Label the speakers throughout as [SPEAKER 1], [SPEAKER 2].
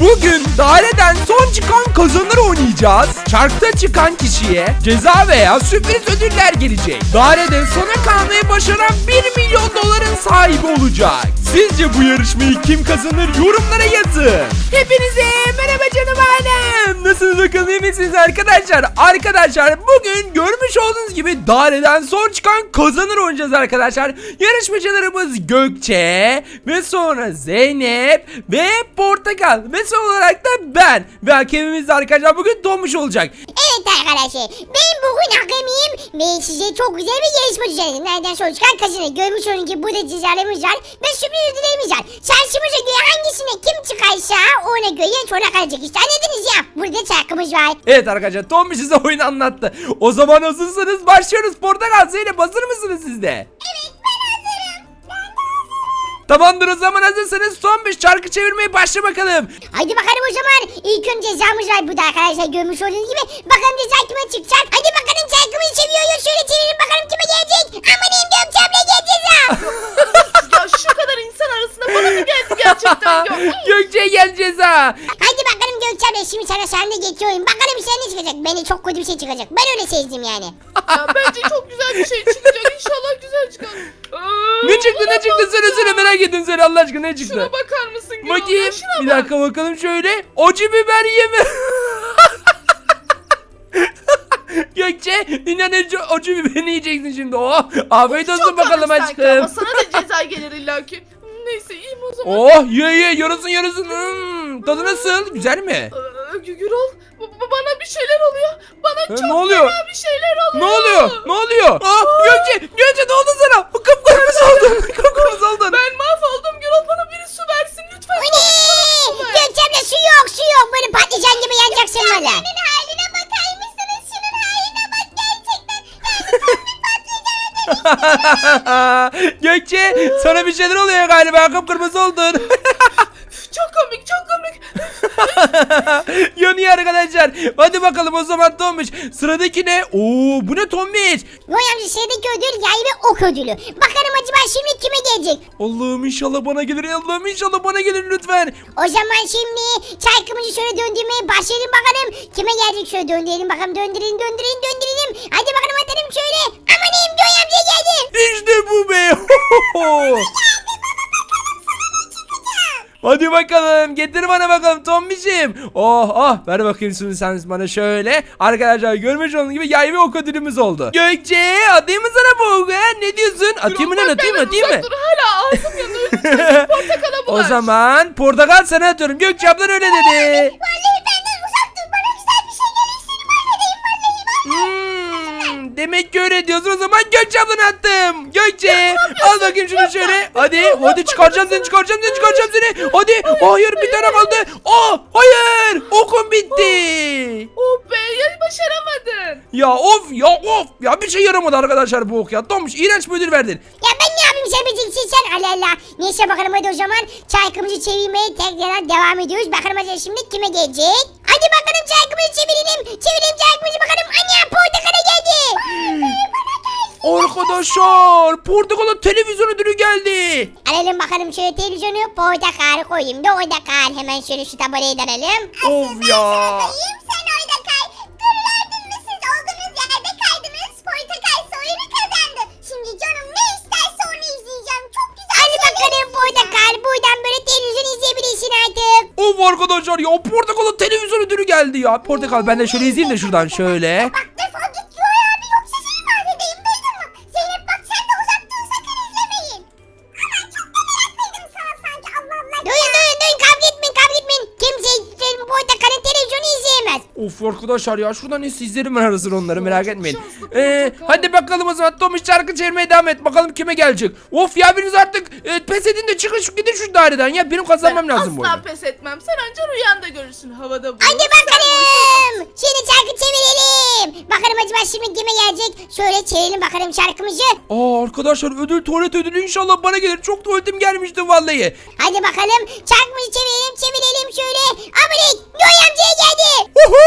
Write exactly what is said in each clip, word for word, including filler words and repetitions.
[SPEAKER 1] Bugün daireden son çıkan kazanır oynayacağız. Çarkta çıkan kişiye ceza veya sürpriz ödüller gelecek. Dairede sona kalmayı başaran bir milyon doların sahibi olacak. Sizce bu yarışmayı kim kazanır? Yorumlara yazın. Hepinize merhaba canım ailem. Nasılsınız bakalım, iyi misiniz arkadaşlar? Arkadaşlar bugün görmüş olduğunuz gibi daireden son çıkan kazanır oynayacağız arkadaşlar. Yarışmacılarımız Gökçe ve sonra Zeynep ve Portakal ve son olarak da ben. Ve hakemimiz de arkadaşlar bugün Tomuş olacak.
[SPEAKER 2] Evet arkadaşlar, ben bugün hakemiyim ve size çok güzel bir yarışma düzenledim. Nereden sonra çıkan kazanır. Görmüş olduğunuz gibi burada cezalarımız var ve sürpriz ödüllerimiz var. Şansımıza göre hangisine kim çıkarsa ona göre sonra kalacak. İşte anladınız ya, burada çarkımız var.
[SPEAKER 1] Evet arkadaşlar, Tomuş size oyunu anlattı. O zaman hazırsanız başlıyoruz. Portakal, Zeynep hazır mısınız siz de?
[SPEAKER 2] Evet, ben hazırım. Ben de hazırım.
[SPEAKER 1] Tamamdır, o zaman hazırsanız son bir çarkı çevirmeye başla bakalım.
[SPEAKER 2] Hadi bakalım o zaman. İlk önce cezamız var burada arkadaşlar, görmüş olduğunuz gibi. Bakalım ceza kime çıkacak. Hadi bakalım, çarkımızı çeviriyoruz. Şöyle çevirelim bakalım kime gelecek. Amaneyim diyorum, çabla gel ceza.
[SPEAKER 3] Ya şu kadar insan arasında bana mı geldi gerçekten ya?
[SPEAKER 1] Gökçe'ye gel ceza.
[SPEAKER 2] Hadi bakalım Gökçe abla, şimdi sana sahne geçiyorum. Bakalım sen ne çıkacak. Bence çok kötü bir şey çıkacak. Ben öyle sezdim yani.
[SPEAKER 3] Ya bence çok güzel bir şey çıkacak. İnşallah güzel çıkar. Aa,
[SPEAKER 1] Ne çıktı ne çıktı,
[SPEAKER 3] olamaz
[SPEAKER 1] söyle
[SPEAKER 3] ya.
[SPEAKER 1] söyle, merak ettim, söyle Allah aşkına, ne çıktı?
[SPEAKER 3] Şuna bakar mısın Gürol? Ya
[SPEAKER 1] Bakayım.
[SPEAKER 3] şuna
[SPEAKER 1] Bir
[SPEAKER 3] bak.
[SPEAKER 1] dakika bakalım şöyle. Acı biber yeme. Gökçe, dünyanın en çok acı biberini yiyeceksin şimdi. Oh, afiyet olsun
[SPEAKER 3] Çok
[SPEAKER 1] bakalım
[SPEAKER 3] komik sanki ama
[SPEAKER 1] aşkım.
[SPEAKER 3] sana da ceza gelir illaki. Neyse, iyiyim o zaman.
[SPEAKER 1] Oh, ye ye, yarasın yarasın. Hmm, tadı nasıl? Güzel mi?
[SPEAKER 3] Aa, Gürol, bu- bu- bana bir şeyler oluyor. Bana çok
[SPEAKER 1] ne oluyor?
[SPEAKER 3] fena bir şeyler
[SPEAKER 1] Ne
[SPEAKER 3] oluyor.
[SPEAKER 1] oluyor? Ne oluyor? Ah, Gökçe, Gökçe ne oldu sana? Kıpkırmızı oldun. Kıpkırmızı oldun.
[SPEAKER 3] Ben mahvoldum Gürol, bana biri su versin lütfen.
[SPEAKER 2] Bu ne? Gökçe abla, su yok su yok. Böyle patlıcan gibi yanacaksın valla. Şunun haline bakar mısınız? Şunun haline bak gerçekten.
[SPEAKER 1] Gökçe, sana bir şeyler oluyor galiba. Kıpkırmızı oldun.
[SPEAKER 3] Çok komik, çok komik.
[SPEAKER 1] Yanıyor arkadaşlar. Hadi bakalım o zaman Tomuş. Sıradaki ne? Oo, bu ne Tomuş?
[SPEAKER 2] Noy amca, şeydeki ödül yay ve ok ödülü. Bakalım acaba şimdi kime gelecek?
[SPEAKER 1] Allah'ım inşallah bana gelir. Allah'ım inşallah bana gelir lütfen.
[SPEAKER 2] O zaman şimdi çarkımızı şöyle döndürmeye başlayalım bakalım. Kime gelecek, şöyle döndürelim bakalım. Döndürelim döndürelim döndürelim. Hadi bakalım atalım şöyle. Amaneyim, Noy amca geldi.
[SPEAKER 1] İşte bu be. Hadi bakalım, getir bana bakalım Tombiş'im. Oh oh, ver bakayım şimdi sen bana şöyle. Arkadaşlar görmüş olduğunuz gibi yay ve ok ödülümüz oldu. Gökçe, atayım mı sana bu oku, he? Ne diyorsun? Atayım mı lan,
[SPEAKER 3] Gürol, bak
[SPEAKER 1] atayım mı
[SPEAKER 3] benden
[SPEAKER 1] atayım mı?
[SPEAKER 3] uzak dur, hala ağzım yanıyor. Lütfen portakala
[SPEAKER 1] O
[SPEAKER 3] bulaş.
[SPEAKER 1] zaman portakal sana atıyorum. Gökçe ablan öyle dedi.
[SPEAKER 2] Vallahi benden uzak dur. Bana güzel bir şey gelirse mahvedeyim vallahi.
[SPEAKER 1] Hmm, demek ki öyle diyorsun, o zaman Gökçe ablanı attım. Gökçe, al bakayım şunu şöyle. Hadi hadi, çıkaracağım seni, çıkaracağım seni, çıkaracağım seni. Hadi. Hayır, bir tane kaldı. Aa, hayır, okum bitti.
[SPEAKER 3] Oh be, ya başaramadın.
[SPEAKER 1] Ya of ya of ya, bir şey yaramadı arkadaşlar bu ok ya. Tomuş, iğrenç bir ödül verdin.
[SPEAKER 2] Ya ben ne yapayım, sen beceksin sen. Allah Allah. Neyse bakalım, hadi o zaman çarkımızı çevirmeye tekrar devam ediyoruz. Bakalım acaba şimdi kime gelecek? Hadi bakalım çarkımızı çevirelim. Çevirelim çarkımızı bakalım. Ana, portakala geldi.
[SPEAKER 1] Arkadaşlar, portakala televizyon ödülü geldi.
[SPEAKER 2] Alalım bakalım şöyle televizyonu. Portakal koyayım da orada kal. Hemen şöyle şu tabelayı da alalım.
[SPEAKER 1] Of ya.
[SPEAKER 2] Sen orada kay. Gördün mü, siz olduğunuz yerde kaydınız. Portakal soyunu kazandı. Şimdi canım ne isterse onu izleyeceğim. Çok güzel. Hadi bakalım portakal. Buradan böyle televizyon izleyebilirsin artık.
[SPEAKER 1] Of arkadaşlar ya, portakala televizyon ödülü geldi ya. Portakal, ben de şöyle izleyeyim de şuradan şöyle.
[SPEAKER 2] Bak defol git Yoy abi, yoksa seni mahvedeyim, duydun mu? Zeynep bak, sen de uzak dur, sakın izlemeyin. Aman çok da meraklıydım sana sanki, Allah Allah. Duyun duyun duyun, kavga etmeyin kavga etmeyin. Kimse senin portakalın televizyonu izleyemez.
[SPEAKER 1] Of arkadaşlar ya, şuradan neyse izlerim ben arasını onları, merak
[SPEAKER 3] Çok
[SPEAKER 1] etmeyin.
[SPEAKER 3] şanslı
[SPEAKER 1] Ee,
[SPEAKER 3] portakal.
[SPEAKER 1] hadi bakalım o zaman Tomuş, şarkı çevirmeye devam et. Bakalım kime gelecek. Of ya, biriniz artık e, pes edin de çıkın şu, gidin şu daireden ya. Benim kazanmam
[SPEAKER 3] Ben
[SPEAKER 1] lazım bu
[SPEAKER 3] asla
[SPEAKER 1] oyunu.
[SPEAKER 3] pes etmem. Sen anca rüyanda görürsün, havada bulur.
[SPEAKER 2] Hadi bakalım. Şimdi şarkı çevirelim. Bakalım acaba şimdi kime gelecek? Şöyle çevirelim bakalım şarkımızı.
[SPEAKER 1] Aa arkadaşlar, ödül, tuvalet ödülü inşallah bana gelir. Çok tuvaletim gelmişti vallahi.
[SPEAKER 2] Hadi bakalım şarkımızı çevirelim çevirelim şöyle. Abirik, Yoy amcaya geldi.
[SPEAKER 1] Uhu!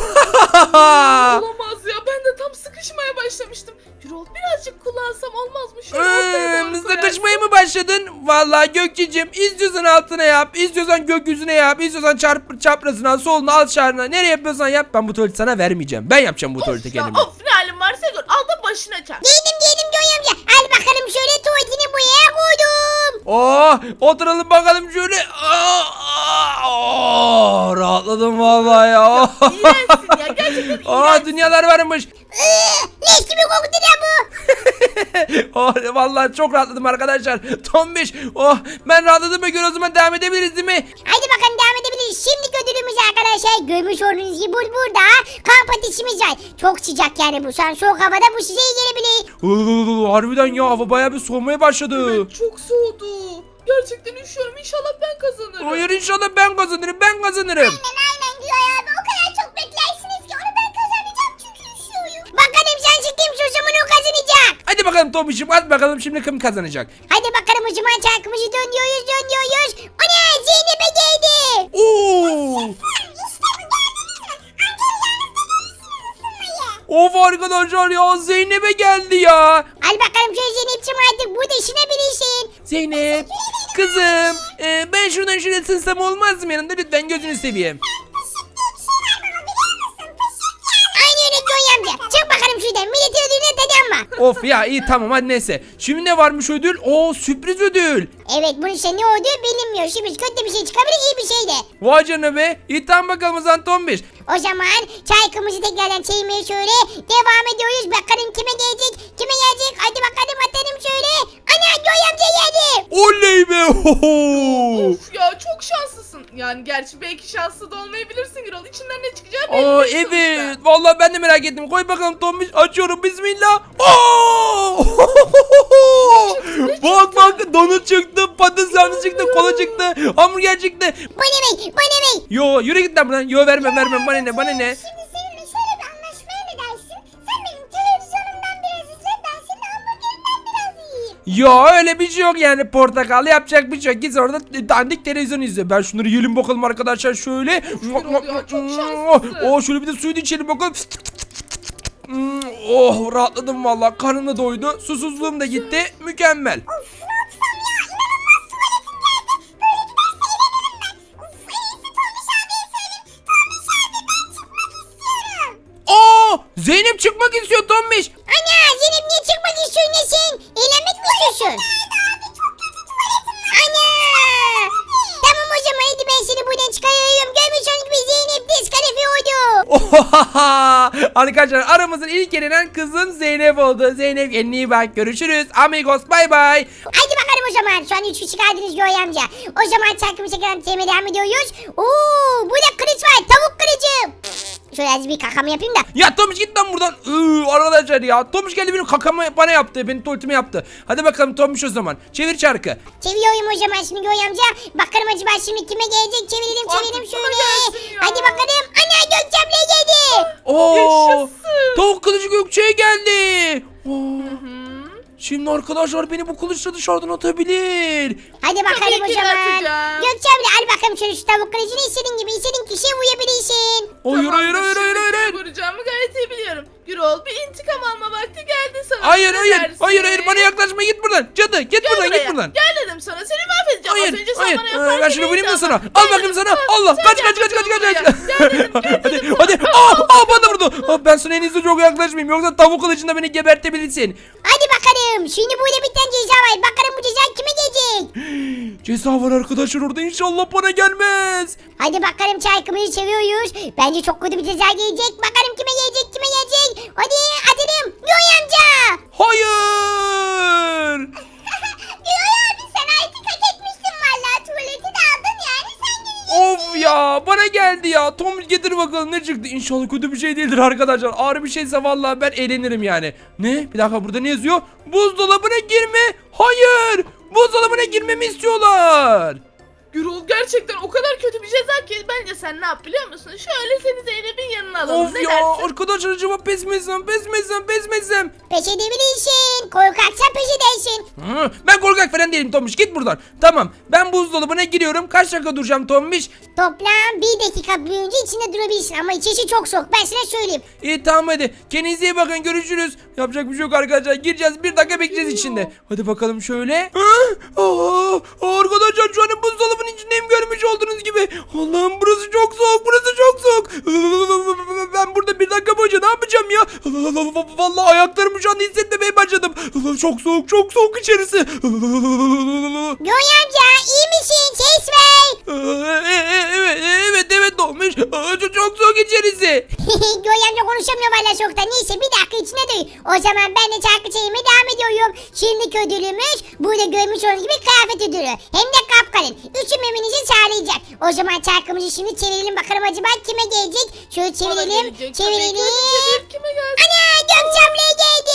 [SPEAKER 3] Olamaz ya, ben de tam sıkışmaya başlamıştım. Gürol, birazcık kullansam olmaz mı? Şöyle ortaya
[SPEAKER 1] Ee,
[SPEAKER 3] doğru koyarsın.
[SPEAKER 1] sıkışmaya mı başladın? Vallahi vallahi Gökçe'cim istiyorsan altına yap, istiyorsan gökyüzüne yap, istiyorsan çarp çaprazına, soluna, aşağına, nereye yapıyorsan yap. Ben bu tuvaleti sana vermeyeceğim. Ben yapacağım bu tuvaleti
[SPEAKER 3] Of ya,
[SPEAKER 1] kendime.
[SPEAKER 3] of ne halin varsa gör. Al da başına çarp.
[SPEAKER 2] Giydim giydim Joy amca. Al bakalım şöyle tuvaletini buraya koydum.
[SPEAKER 1] Oh, oturalım bakalım şöyle. Aa, aa, rahatladım vallahi ya.
[SPEAKER 3] İğrençsin ya, gerçekten
[SPEAKER 1] Aa,
[SPEAKER 3] iğrenç.
[SPEAKER 1] dünyalar varmış.
[SPEAKER 2] Iıı, leş gibi koktu ya bu.
[SPEAKER 1] Oh, vallahi çok rahatladım arkadaşlar. Tombiş, oh, ben rahatladığıma göre o zaman devam edebiliriz değil mi?
[SPEAKER 2] Hadi bakalım devam edebiliriz. Şimdi ödülümüz arkadaşlar. Görmüş olduğunuz gibi bur- burada kamp ateşimiz var. Çok sıcak yani bu. Şu an soğuk havada bu size iyi gelebilir.
[SPEAKER 1] Oo, harbiden ya, hava bayağı bir soğumaya başladı.
[SPEAKER 3] Evet, çok soğudu. Gerçekten üşüyorum. İnşallah ben kazanırım.
[SPEAKER 1] Hayır, inşallah ben kazanırım, ben kazanırım.
[SPEAKER 2] Aynen aynen diyor ya. O kadar çok beklersiniz ki onu ben kazanacağım çünkü üşüyorum. Bakalım sen kimse o zaman o kazanacak.
[SPEAKER 1] Hadi bakalım Tombiş'im, at bakalım şimdi kim kazanacak.
[SPEAKER 2] Hadi bakalım o zaman çarkımızı dönüyoruz dönüyoruz. O ne? Zeynep'e geldi.
[SPEAKER 1] Oo! Of arkadaşlar ya, Zeynep'e geldi ya.
[SPEAKER 2] Al bakalım şöyle Zeynep'ciğim artık burada işine bilirsin.
[SPEAKER 1] Zeynep, kızım, e, ben şuradan şuraya sığsam olmaz mı yanında, lütfen gözünü seveyim.
[SPEAKER 2] Aynı öyle Joy amca. Çık bakalım şuradan. Milletin ödülüne dedi ama.
[SPEAKER 1] Of ya, iyi tamam, hadi neyse. Şimdi ne varmış ödül? Oo, sürpriz ödül.
[SPEAKER 2] Evet bunun işte ne olduğu bilinmiyor. Şimdi kötü bir şey çıkabilir iyi bir şey de.
[SPEAKER 1] Vay canına be. İyi tamam bakalım o zaman Tombiş.
[SPEAKER 2] O zaman çaykımızı tekrardan çevirmeye şöyle devam ediyoruz. Bakalım kime gelecek? Kime gelecek? Hadi bakalım atalım şöyle. Ana Joy amca geldi.
[SPEAKER 1] Oley be. Hoho.
[SPEAKER 3] Of ya, çok şanslısın. Yani gerçi belki şanslı da olmayabilirsin Gürol. İçinden ne çıkacağı belli
[SPEAKER 1] Aa,
[SPEAKER 3] değil
[SPEAKER 1] evet.
[SPEAKER 3] sonuçta.
[SPEAKER 1] Vallahi ben de merak ettim. Koy bakalım Tombiş. Açıyorum. Bismillah. Oo! Bak bak, donut çıktı, patates sarması çıktı, kola çıktı, hamburger çıktı.
[SPEAKER 2] Bu ne bey? Bu ne bey?
[SPEAKER 1] Yo, yürü git lan buradan. Yo, vermem vermem. Bana ne, bana ne?
[SPEAKER 2] Şimdi seninle şöyle bir anlaşmaya ne dersin? Sen benim televizyonumdan biraz izle. Ben senin hamburgerinden biraz yiyeyim.
[SPEAKER 1] Yo, öyle bir şey yok yani, portakal yapacak bir şey yok. Git orada dandik televizyon izle. Ben şunları yiyelim bakalım arkadaşlar şöyle.
[SPEAKER 3] ya, çok şanslısın.
[SPEAKER 1] Oh, şöyle bir de suyu da içelim bakalım. Hmm, Oh, rahatladım vallahi. Karnım da doydu. Susuzluğum da gitti. Mükemmel. Aa, Zeynep çıkmak istiyor Tombiş.
[SPEAKER 2] Ana Zeynep niye çıkmak istiyorsun ne sen? Eğlenmek mi istiyorsun? Ana! Tamam o zaman hadi ben seni buradan çıkarıyorum. Görmüş olduğunuz gibi Zeynep diskalifiye oldu.
[SPEAKER 1] Ohaha! Arkadaşlar, aramızın ilk elenen kızım Zeynep oldu. Zeynep, kendine iyi bak. Görüşürüz. Amigos, bay bay.
[SPEAKER 2] Hadi bakalım o zaman. Şu an üç kişi kaldınız Joy amca. O zaman çarkımı çekelim temel devam ediyoruz. Oo, burada kılıç var. Tavuk kılıcı. Şöyle az bir kakamı yapayım da.
[SPEAKER 1] Ya Tomuş, git lan buradan. Iıı, arkadaşlar ya. Tomuş geldi, benim kakamı bana yaptı. Benim tuvaletimi yaptı. Hadi bakalım Tomuş o zaman. Çevir çarkı.
[SPEAKER 2] Çeviriyorum o zaman şimdi Joy amca. Bakalım acaba şimdi kime gelecek? Çevirelim çevirelim
[SPEAKER 3] Artık
[SPEAKER 2] şöyle.
[SPEAKER 3] bana gelsin ya.
[SPEAKER 2] Hadi bakalım. Ana Gökçem'le geldi.
[SPEAKER 1] Oo!
[SPEAKER 3] Yaşasın.
[SPEAKER 1] Tavuk kılıcı Gökçe'ye geldi. Oo.
[SPEAKER 3] Hı.
[SPEAKER 1] Şimdi arkadaşlar beni bu kılıçla dışarıdan atabilir.
[SPEAKER 2] Hadi bakalım
[SPEAKER 3] Tabii
[SPEAKER 2] o
[SPEAKER 3] ki de
[SPEAKER 2] zaman.
[SPEAKER 3] atacağım.
[SPEAKER 2] Gökçem'le al bakalım şöyle şu tavuk kılıcını istediğin gibi istediğin kişiye uyabilirsin.
[SPEAKER 1] Hayır hayır hayır hayır hayır. hayır.
[SPEAKER 3] Vuracağımı gayet iyi biliyorum. Gürol, bir intikam alma vakti geldi sana.
[SPEAKER 1] Hayır
[SPEAKER 3] Ne
[SPEAKER 1] hayır
[SPEAKER 3] dersin?
[SPEAKER 1] hayır hayır, bana yaklaşma, git buradan. Cadı, git
[SPEAKER 3] Gel
[SPEAKER 1] buradan,
[SPEAKER 3] buraya.
[SPEAKER 1] git buradan.
[SPEAKER 3] Gel dedim sana, seni mahvedeceğim. Az
[SPEAKER 1] Hayır
[SPEAKER 3] önce sen
[SPEAKER 1] hayır.
[SPEAKER 3] bana
[SPEAKER 1] Ee,
[SPEAKER 3] yaparken
[SPEAKER 1] ben şunu vurayım da
[SPEAKER 3] neydi
[SPEAKER 1] sana.
[SPEAKER 3] ama?
[SPEAKER 1] Al
[SPEAKER 3] Gel
[SPEAKER 1] bakayım
[SPEAKER 3] dedim,
[SPEAKER 1] sana.
[SPEAKER 3] sen-
[SPEAKER 1] Allah,
[SPEAKER 3] sen
[SPEAKER 1] kaç
[SPEAKER 3] gel
[SPEAKER 1] kaç kaç kaç
[SPEAKER 3] bakalım
[SPEAKER 1] kaç.
[SPEAKER 3] buraya.
[SPEAKER 1] kaç.
[SPEAKER 3] Gel dedim, gel
[SPEAKER 1] Hadi
[SPEAKER 3] dedim
[SPEAKER 1] hadi.
[SPEAKER 3] sana.
[SPEAKER 1] Aa, aa, bana vurdu. Aa, ben sana en iyisi çok yaklaşmayayım, yoksa tavuk kılıcında beni gebertebilirsin.
[SPEAKER 2] Hadi bakalım. Şimdi burada bir tane ceza var. Bakalım bu ceza kime gelecek?
[SPEAKER 1] Ceza var arkadaşlar orada, inşallah bana gelmez.
[SPEAKER 2] Hadi bakalım çarkımızı seviyoruz. Bence çok kötü bir ceza gelecek. Bakalım kime gelecek kime gelecek. Hadi atalım. Yoy amca.
[SPEAKER 1] Hayır.
[SPEAKER 2] Yoy abi sen artık hak etmiştin valla. Tuvaleti de aldın yani sen geleceksin.
[SPEAKER 1] Of ya, bana geldi ya. Tom, getir bakalım ne çıktı. İnşallah kötü bir şey değildir arkadaşlar. Ağır bir şeyse vallahi ben eğlenirim yani. Ne? Bir dakika, burada ne yazıyor? Buzdolabına girme. Hayır. Buzdolabına girmemi istiyorlar.
[SPEAKER 3] Gürol, gerçekten o kadar kötü bir ceza ki bence sen ne yap biliyor musun? Şöyle seni Zeynep'in yanına alalım.
[SPEAKER 1] Of
[SPEAKER 3] ne
[SPEAKER 1] ya
[SPEAKER 3] dersin?
[SPEAKER 1] arkadaşlar, acaba pes mi etsem, pes mi etsem, pes mi etsem?
[SPEAKER 2] Peş edebilirsin. korkaksa peşindesin.
[SPEAKER 1] Hı, ben korkak falan değilim Tombiş, git buradan. Tamam, ben buzdolabına giriyorum. Kaç dakika duracağım Tombiş?
[SPEAKER 2] Toplam bir dakika boyunca içinde durabilirsin ama içişi çok soğuk, ben sana söyleyeyim.
[SPEAKER 1] İyi tamam hadi. Kendinize iyi bakın, görüşürüz. Yapacak bir şey yok arkadaşlar. Gireceğiz, bir dakika bekleyeceğiz içinde. Hadi bakalım şöyle. Aa, aa, arkadaşlar şu an buzdolabının içindeyim, görmüş olduğunuz gibi. Allah'ım burası çok soğuk, burası çok soğuk. Ben burada bir dakika boyunca ne yapacağım ya? Vallahi ayaklarımı şu anda hissetmemeye başladım. Çok soğuk, çok soğuk içerisi.
[SPEAKER 2] Göğe amca iyi misin? Ses ver.
[SPEAKER 1] Evet, evet, evet olmuş. Çok, çok soğuk içerisi.
[SPEAKER 2] Göğe amca konuşamıyor valla soğukta. Neyse bir dakika içine duy. O zaman ben de çarkı çayıma devam ediyorum. Şimdiki ödülümüz burada görmüş olduğunuz gibi kıyafet ödülü. Hem de kapkalın. Üşümemenizi sağlayacak. O zaman çarkımızı şimdi çevirelim bakalım acaba kime gelecek? Şöyle
[SPEAKER 3] Bana
[SPEAKER 2] çevirelim.
[SPEAKER 3] gelecek tabii ki.
[SPEAKER 2] Çevirelim.
[SPEAKER 3] Hadi çevir, kime geldi?
[SPEAKER 2] Ana Gökçem'le geldi.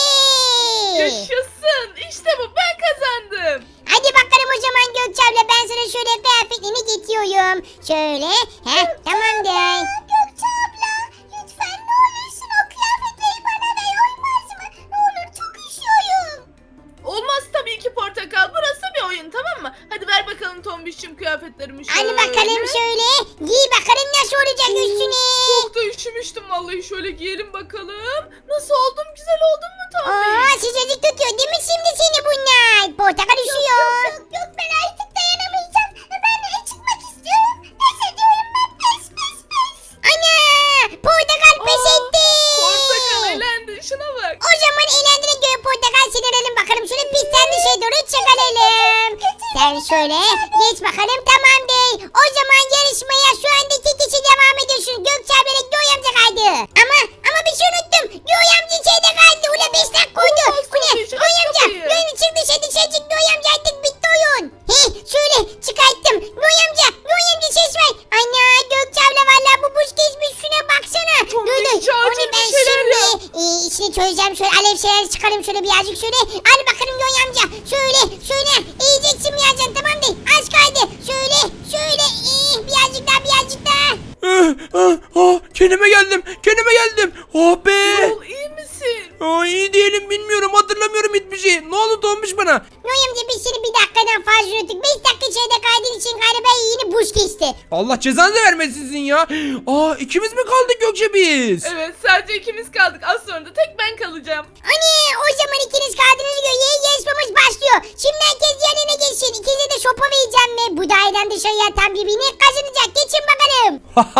[SPEAKER 3] Yaşasın. İşte bu, ben kazandım.
[SPEAKER 2] Hadi bakalım o zaman Gökçem'le ben sana şöyle kıyafetlerini getiriyorum. Şöyle. Heh tamamdır. Gökçe abla lütfen ne olursun o kıyafetleri bana ver, olmaz mı? Ne olur çok üşüyorum.
[SPEAKER 3] Olmaz tabii ki Portakal. Burası bir oyun, tamam mı? Hadi ver bakalım Tombiş'cim kıyafetlerimi şöyle.
[SPEAKER 2] Hadi bakalım şöyle. Giy bakalım nasıl olacak üstüne.
[SPEAKER 3] Çok da üşümüştüm vallahi, şöyle giyelim bakalım. Nasıl oldum? Güzel oldum mu Tombiş?
[SPEAKER 2] Aa sıcacık tutuyor değil mi şimdi seni bunlar? Portakal üşüyor. Yok yok, yok ben artık dayanamayacağım. Ben de çıkmak istiyorum. Pes ediyorum ben, pes pes pes. Ana portakal pes
[SPEAKER 3] Aa,
[SPEAKER 2] etti.
[SPEAKER 3] Portakal elendi, şuna bak.
[SPEAKER 2] O zaman eğlendiğine göre portakal seni alalım bakalım. Şöyle pistten dışarı doğru çıkaralım. Sen şöyle geç bakalım, tamamdır. O zaman yarışmaya şu anda iki kişi devam ediyorsun. Gökçe abiyle Göğe amca kaydı. Ama ama bir şey unuttum. Göğe amca içeride kaldı. Ula beş dakika koydu.
[SPEAKER 3] Olmaz,
[SPEAKER 2] Bu ne?
[SPEAKER 3] tabii,
[SPEAKER 2] Göğe
[SPEAKER 3] aç
[SPEAKER 2] amca.
[SPEAKER 3] kapıyı.
[SPEAKER 2] Göğe çık dışarı dışarı çık. Göğe amca artık bitti oyun. Heh şöyle çıkarttım. Göğe amca. Göğe amca ses ver. Ana Gökçe abla valla bu buz geçmiş. Şuna baksana.
[SPEAKER 3] Çok
[SPEAKER 2] Dur dur.
[SPEAKER 3] iyi, acil
[SPEAKER 2] Onu
[SPEAKER 3] bir
[SPEAKER 2] ben
[SPEAKER 3] şeyler
[SPEAKER 2] şimdi
[SPEAKER 3] yap.
[SPEAKER 2] e, içini çözeceğim. Şöyle alev şeyler çıkarayım şöyle birazcık şöyle. Hadi bakalım Göğe amca. Şöyle şöyle. İyiceksin birazcık, tamam değil. Az kaydı. Şöyle şöyle. Eh, birazcık daha birazcık daha.
[SPEAKER 1] Ah, ah, ah, kendime geldim, kendime geldim. Oh be.
[SPEAKER 3] Yol, iyi misin?
[SPEAKER 1] Aa, iyi değilim, bilmiyorum, hatırlamıyorum hiçbir şey. Ne oldu Tombiş bana?
[SPEAKER 2] Göğe amca biz seni bir dakikadan fazla yürüttük. Beş dakika içeride kaydın için galiba yeni buz kesti.
[SPEAKER 1] Allah cezanızı vermesin sizin ya. Aa, ikimiz mi kaldık Gökçe biz?
[SPEAKER 3] Evet, sadece ikimiz kaldık. Az sonra da tek ben kalacağım.
[SPEAKER 2] Anne o zaman ikiniz kaldığınız göre yeni yarışmamız başlıyor. Şimdi herkes yerine geçsin. İkinize de sopa vereceğim ve bu daireden dışarıya tam birbirini kazanacak. Geçin bakalım.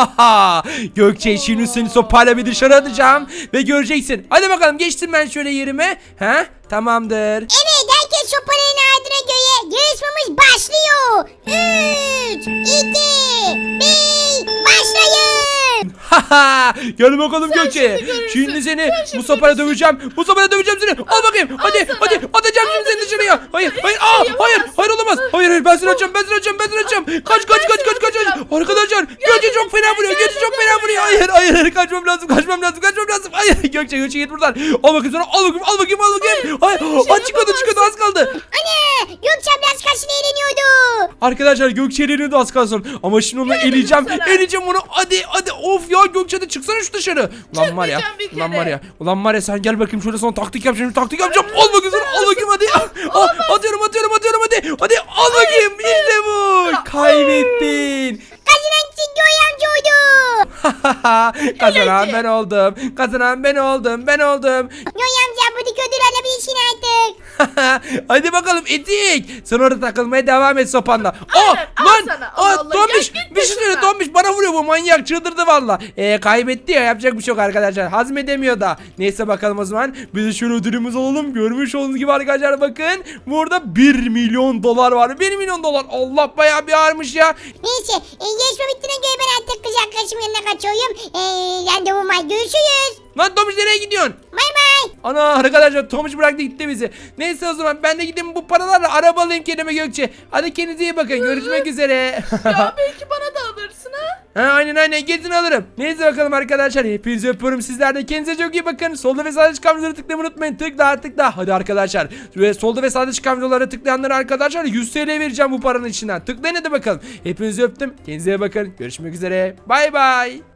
[SPEAKER 1] Gökçe şimdi seni sopayla bir dışarı atacağım ve göreceksin. Hadi bakalım, geçtim ben şöyle yerime. Ha? Tamamdır.
[SPEAKER 2] Evet herkes sopalarını ardına göre yarışmamız başlıyor. Üç, iki, bir, başlayın.
[SPEAKER 1] Gel bakalım
[SPEAKER 3] Sen
[SPEAKER 1] Gökçe.
[SPEAKER 3] şimdi görürsün.
[SPEAKER 1] Şimdi seni
[SPEAKER 3] Sen şimdi
[SPEAKER 1] bu sopayla
[SPEAKER 3] görürsün.
[SPEAKER 1] döveceğim. Bu sopayla döveceğim seni. Al bakayım.
[SPEAKER 3] al
[SPEAKER 1] Hadi
[SPEAKER 3] sana.
[SPEAKER 1] hadi atacağım şimdi
[SPEAKER 3] Al
[SPEAKER 1] seni
[SPEAKER 3] dedim
[SPEAKER 1] dışarıya.
[SPEAKER 3] sana.
[SPEAKER 1] Hayır
[SPEAKER 3] Hiçbir
[SPEAKER 1] hayır.
[SPEAKER 3] şey
[SPEAKER 1] Aa, hayır
[SPEAKER 3] yapamazsın.
[SPEAKER 1] hayır olamaz. Hayır hayır ben seni atacağım. Ben seni atacağım. Ben seni atacağım. Kaç kaç
[SPEAKER 3] ben
[SPEAKER 1] kaç
[SPEAKER 3] seni
[SPEAKER 1] kaç kaç.
[SPEAKER 3] atacağım.
[SPEAKER 1] Arkadaşlar Gökçe
[SPEAKER 3] dedim
[SPEAKER 1] çok fena
[SPEAKER 3] sana,
[SPEAKER 1] vuruyor.
[SPEAKER 3] gel
[SPEAKER 1] Gökçe çok
[SPEAKER 3] dedim
[SPEAKER 1] fena
[SPEAKER 3] sana.
[SPEAKER 1] vuruyor. Hayır hayır hayır. Kaçmam lazım. Kaçmam lazım. Kaçmam lazım. Hayır Gökçe Gökçe git buradan. Al bakayım sana. Al bakayım. Al bakayım. Al bakayım. Hayır.
[SPEAKER 3] hiçbir şey
[SPEAKER 1] Aa, çıkıyordu çıkıyordu az kaldı.
[SPEAKER 2] Anne Gökçe abla az karşıda eğleniyordu.
[SPEAKER 1] Arkadaşlar Gökçe eleniyordu az kalsın. Ama şimdi onu
[SPEAKER 3] Gel
[SPEAKER 1] eleyeceğim.
[SPEAKER 3] sana.
[SPEAKER 1] Eleyeceğim onu. Hadi hadi. Of ya Gökçe de çıksana şu dışarı. Ulan var ya.
[SPEAKER 3] Çıkmayacağım bir
[SPEAKER 1] Ulan
[SPEAKER 3] kere.
[SPEAKER 1] var ya. Ulan var ya sen gel bakayım şöyle sana taktik yapacağım. Taktik yapacağım. Al bakayım sana. Al bakayım hadi. Ah, atıyorum atıyorum atıyorum hadi. Hadi al bakayım. İşte bu. Kaybettin.
[SPEAKER 2] Kazanan kişi Göğe amca oldu.
[SPEAKER 1] Kazanan ben oldum. Kazanan ben oldum. Ben oldum.
[SPEAKER 2] Göğe amca buradaki ödül alabilirsin artık.
[SPEAKER 1] Hadi bakalım etik. Sen orada takılmaya devam et sopanla.
[SPEAKER 3] Aynen,
[SPEAKER 1] Aa,
[SPEAKER 3] al
[SPEAKER 1] lan.
[SPEAKER 3] sana. Allah
[SPEAKER 1] Aa,
[SPEAKER 3] Allah,
[SPEAKER 1] Tombiş.
[SPEAKER 3] ya git
[SPEAKER 1] Bir şey söyle
[SPEAKER 3] başımdan.
[SPEAKER 1] Tombiş. Bana vuruyor bu manyak. Çıldırdı valla. Ee, kaybetti ya. Yapacak bir şey yok arkadaşlar. Hazmedemiyor da. Neyse bakalım o zaman. Biz de şöyle ödülümüzü alalım. Görmüş olduğunuz gibi arkadaşlar bakın. Burada bir milyon dolar var. bir milyon dolar. Allah bayağı bir ağırmış ya.
[SPEAKER 2] Neyse e, yarışma bittiğine göre ben artık kız arkadaşımın yanına kaçıyorum. E, randevum var, görüşürüz.
[SPEAKER 1] Lan Tombiş nereye gidiyorsun?
[SPEAKER 2] Bay bay.
[SPEAKER 1] Ana arkadaşlar Tomuş bıraktı gitti bizi. Neyse o zaman ben de gideyim bu paralarla araba alayım kendime Gökçe. Hadi kendinize iyi bakın. Görüşmek üzere.
[SPEAKER 3] Ya belki bana da alırsın ha.
[SPEAKER 1] Ha, aynen aynen gezin alırım. Neyse bakalım arkadaşlar. Hepinizi öpüyorum. Sizler de kendinize çok iyi bakın. Solda ve sağda çıkan videoları tıklamayı unutmayın. Tıkla tıkla. Hadi arkadaşlar. Ve solda ve sağda çıkan videolara tıklayanlara arkadaşlar yüz T L vereceğim bu paranın içinden. Tıklayın hadi bakalım. Hepinizi öptüm. Kendinize iyi bakın. Görüşmek üzere. Bay bay.